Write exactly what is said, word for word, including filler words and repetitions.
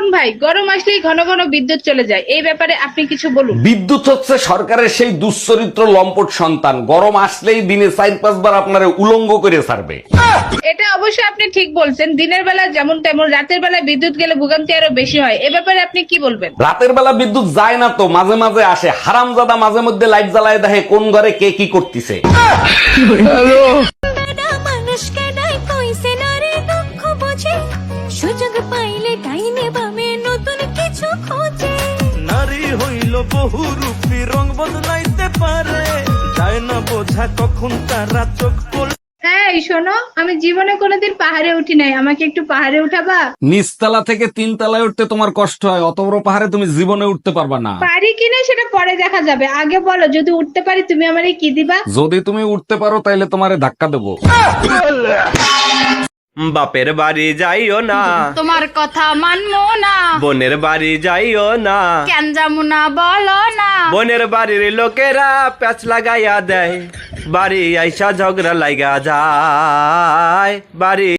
অরুণ ভাই, গরম আসলেই ঘন ঘন বিদ্যুৎ চলে যায়, এই ব্যাপারে আপনি কিছু বলুন। বিদ্যুৎ হচ্ছে সরকারের সেই দুশ্চরিত্র লম্পট সন্তান, গরম আসলেই দিনে চার পাঁচবার আপনারে উলঙ্গ করে ছাড়বে। এটা অবশ্যই আপনি ঠিক বলছেন, দিনের বেলা যেমন তেমন, রাতের বেলায় বিদ্যুৎ গেলে ভোগান্তি আরো বেশি হয়, এ ব্যাপারে আপনি কি বলবেন? রাতের বেলা বিদ্যুৎ যায় না তো, মাঝে মাঝে আসে। হারামজাদা মাঝে মধ্যে লাইট জ্বালায় দেখে কোন ঘরে কে কি করতেছে। মানুষকে নাই কইছে না রে দুঃখ বোঝে, সুযোগ পাইলে ডাইনে বামে নতুন কিছু খোঁজে। নারী হইল বহুরূপী, রং বদলাইতে পারে, যায় না বোঝা কখন তারা চোখ পড়ে। হ্যাঁ শোনো, আমি জীবনে কোনোদিন পাহাড়ে উঠি নাই, আমাকে একটু পাহাড়ে উঠাবা? নিচতলা থেকে তিন তলায় উঠতে তোমার কষ্ট হয়, অত বড় পাহাড়ে তুমি জীবনে উঠতে পারবা না। পারি কিনা সেটা পরে দেখা যাবে, আগে বলো যদি উঠতে পারি তুমি আমারে কি দিবা? যদি তুমি উঠতে পারো তাইলে তোমারে ধাক্কা দেবো। বাপের বাড়ি যাইও না, তোমার কথা মানবো না, বোনের বাড়ি যাইও না, কেন যাবো না বলো না। বোনের বাড়ির লোকেরা প্যাচ লাগাইয়া দেয়, বাড়ি আইসা ঝগড়া লাগা যায়, বাড়ি